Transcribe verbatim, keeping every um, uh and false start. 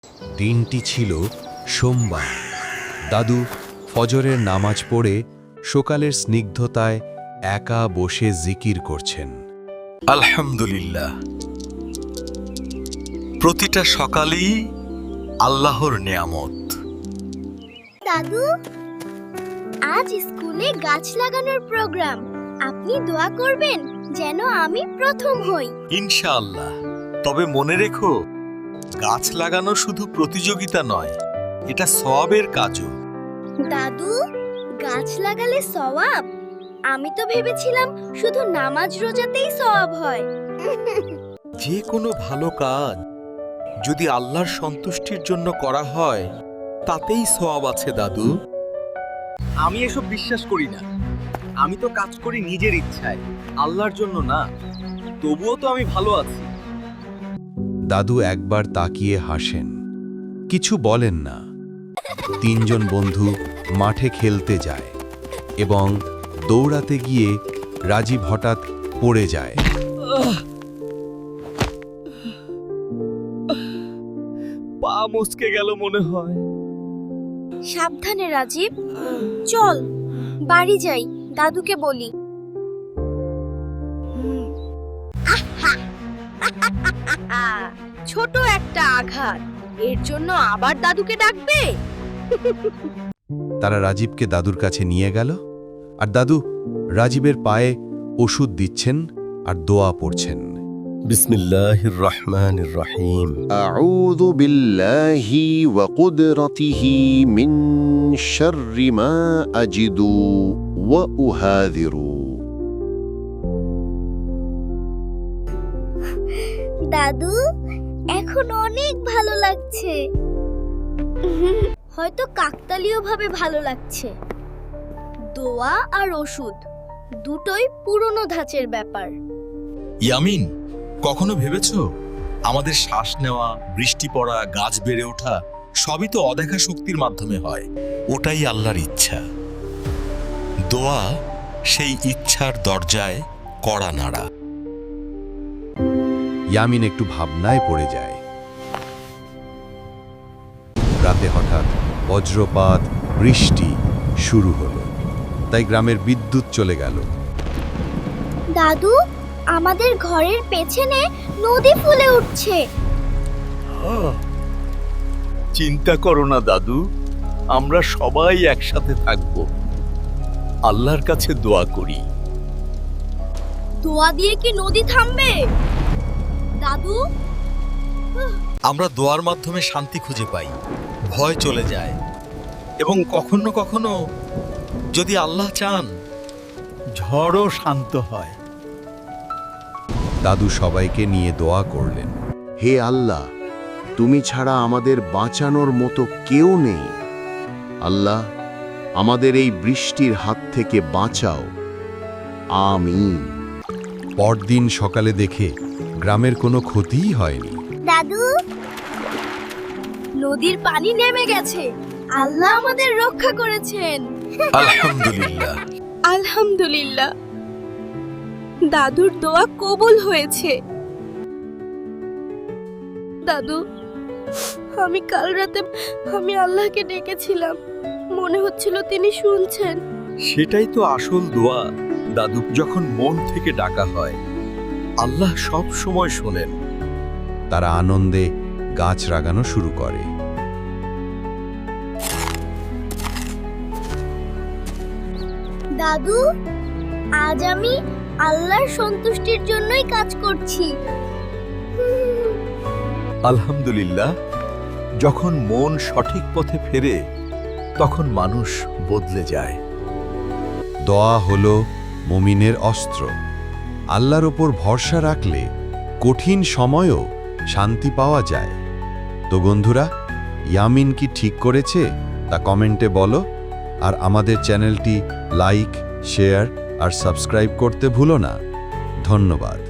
দিনটি ছিল সোমবার। দাদু ফজরের নামাজ পড়ে সকালের স্নিগ্ধতায় একা বসে জিকির করছেন। আলহামদুলিল্লাহ, প্রতিটা সকালই আল্লাহর নিয়ামত। দাদু, আজ স্কুলে গাছ লাগানোর প্রোগ্রাম। আপনি দোয়া করবেন যেন আমি প্রথম হই। ইনশাআল্লাহ। তবে মনে রেখো, গাছ লাগানো শুধু প্রতিযোগিতা নয়, এটা সওয়াবের কাজও। দাদু, গাছ লাগালে সওয়াব? আমি তো ভেবেছিলাম শুধু নামাজ রোজাতেই সওয়াব হয়। যে কোনো ভালো কাজ যদি আল্লাহর সন্তুষ্টির জন্য করা হয়, তাতেই সওয়াব আছে দাদু। আমি এসব বিশ্বাস করি না। আমি তো কাজ করি নিজের ইচ্ছায়, আল্লাহর জন্য না। তবুও তো আমি ভালো আছি। দাদু একবার তাকিয়ে হাসেন, কিছু বলেন না। তিনজন বন্ধু মাঠে খেলতে যায় এবং দৌড়াতে গিয়ে রাজীব হঠাৎ পড়ে যায়। পা মুচকে গেল মনে হয়। সাবধানে রাজীব, চল বাড়ি যাই, দাদুকে বলি। ছোট একটা আঘাত, এর জন্য আবার দাদুকে ডাকবে? তারা রাজীবকে দাদুর কাছে নিয়ে গেল, আর দাদু রাজীবের পায়ে ওষুধ দিচ্ছেন আর দোয়া পড়ছেন। বিসমিল্লাহির রহমানির রহিম। أعوذ بالله وقدرته من شر ما أجد وأهاذر দাদু, এখন অনেক ভালো লাগছে। হয়তো কাকতালীয় ভাবে ভালো লাগছে। দোয়া আর ওষুধ দুটোই পুরনো ধাঁচের ব্যাপার। ইয়ামিন, কখনো ভেবেছো আমাদের শ্বাস নেওয়া, বৃষ্টি পড়া, গাছ বেড়ে ওঠা সবই তো অদেখা শক্তির মাধ্যমে হয়। ওটাই আল্লাহর ইচ্ছা। দোয়া সেই ইচ্ছার দরজায় কড়া নাড়া। ইয়ামিন একটু ভাবনায় পড়ে যায়। রাতে হঠাৎ বজ্রপাত, বৃষ্টি শুরু হলো, তাই গ্রামের বিদ্যুৎ চলে গেল। দাদু, আমাদের ঘরের পেছনে নদী ফুলে উঠছে। চিন্তা করো না দাদু, আমরা সবাই একসাথে থাকব। আল্লাহর কাছে দোয়া করি। দোয়া দিয়ে কি নদী থামবে? দাদু, আমরা দোয়ার মাধ্যমে শান্তি খুঁজে পাই, ভয় চলে যায়, এবং কখনো কখনো যদি আল্লাহ চান, ঝড়ও শান্ত হয়। দাদু সবাইকে নিয়ে দোয়া করলেন। হে আল্লাহ, তুমি ছাড়া আমাদের বাঁচানোর মতো কেউ নেই। আল্লাহ, আমাদের এই বৃষ্টির হাত থেকে বাঁচাও। আমিন। পরদিন সকালে দেখে গ্রামের কোনো ক্ষতিই হয়নি। দাদু, নদীর পানি নেমে গেছে। আল্লাহ আমাদের রক্ষা করেছেন। আলহামদুলিল্লাহ। আলহামদুলিল্লাহ, দাদুর দোয়া কবুল হয়েছে। দাদু, আমি কাল রাতে আমি আল্লাহকে ডেকেছিলাম, মনে হচ্ছিল তিনি শুনছেন। সেটাই তো আসল দোয়া দাদু, যখন মন থেকে ডাকা হয়, আল্লাহ সব সময় শোনেন। তারা আনন্দে গাছ লাগানো শুরু করে। দাদু, আজ আমি আল্লাহর সন্তুষ্টির জন্যই কাজ করছি। আলহামদুলিল্লাহ, যখন মন সঠিক পথে ফেরে, তখন মানুষ বদলে যায়। দোয়া হলো মুমিনের অস্ত্র। আল্লাহর ওপর ভরসা রাখলে কঠিন সময়ও শান্তি পাওয়া যায়। তো বন্ধুরা, ইয়ামিন কি ঠিক করেছে তা কমেন্টে বলো, আর আমাদের চ্যানেলটি লাইক, শেয়ার আর সাবস্ক্রাইব করতে ভুলো না। ধন্যবাদ।